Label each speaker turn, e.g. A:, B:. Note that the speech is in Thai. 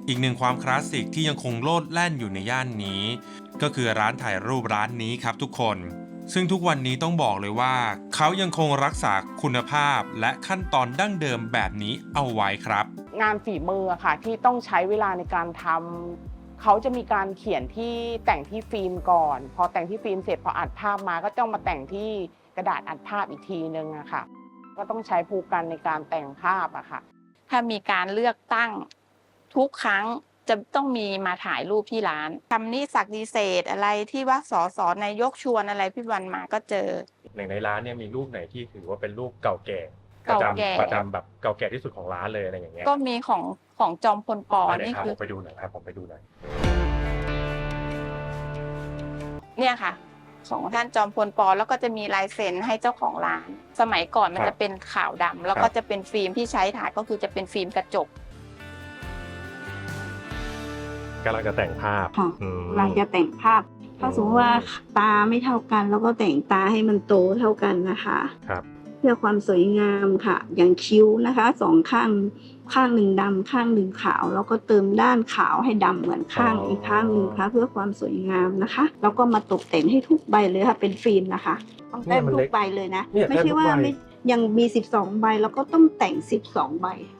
A: อีกหนึ่งความคลาสสิกที่ยังคงโลดแล่นอยู่ในย่านนี้ก็คือร้านถ่ายรูปร้านนี้ครับทุกคนซึ่งทุกวันนี้ต้องบอกเลยว่าเขายังคงรักษาคุณภาพและขั้นตอนดั้งเดิมแบบนี้เอาไว้ครับ
B: งานฝีมือค่ะที่ต้องใช้เวลาในการทำเขาจะมีการเขียนที่แต่งที่ฟิล์มก่อนพอแต่งที่ฟิล์มเสร็จพออัดภาพมาก็ต้องมาแต่งที่กระดาษอัดภาพอีกทีนึงอะค่ะก็ต้องใช้ภูกันในการแต่งภาพอะค่ะ
C: ถ้ามีการเลือกตั้งทุกครั้งจะต้องมีมาถ่ายรูปที่ร้านคำนี้ศักดิเศษอะไรที่ว่าสสนายกชวนอะไรพี่วันมาก็เจอ
D: ในร้านเนี่ยมีรูปไหนที่ถือว่าเป็นรูปเก่าแก่ประจำแบบเก่าแก่ที่สุดของร้านเลยอะไรอย่างเงี้ย
C: ก็มีของจอมพลปนี่คือ
D: ผมไปดูหน่อยครับผมไปดูหน่อย
C: เนี่ยค่ะของท่านจอมพลปแล้วก็จะมีลายเซ็นให้เจ้าของร้านสมัยก่อนมันจะเป็นขาวดำแล้วก็จะเป็นฟิล์มที่ใช้ถ่ายก็คือจะเป็นฟิล์มกระจก
D: กำลังจะแต่งภาพ
E: ค่ะเราจะแต่งภาพถ้าสมมติว่าตาไม่เท่ากันแล้วก็แต่งตาให้มันโตเท่ากันนะคะ
D: ครับ
E: เพื่อความสวยงามค่ะอย่างคิ้วนะคะสองข้างหนึ่งดำข้างหนึ่งขาวแล้วก็เติมด้านขาวให้ดำเหมือนข้างอีกข้างหนึ่งค่ะเพื่อความสวยงามนะคะแล้วก็มาตกแต่งให้ทุกใบเลยค่ะเป็นฟิล์มนะคะต้องแต่งทุกใบเลยนะไม่ใช่ว่าไม่ยังมี12 ใบแล้วก็ต้องแต่ง12 ใบ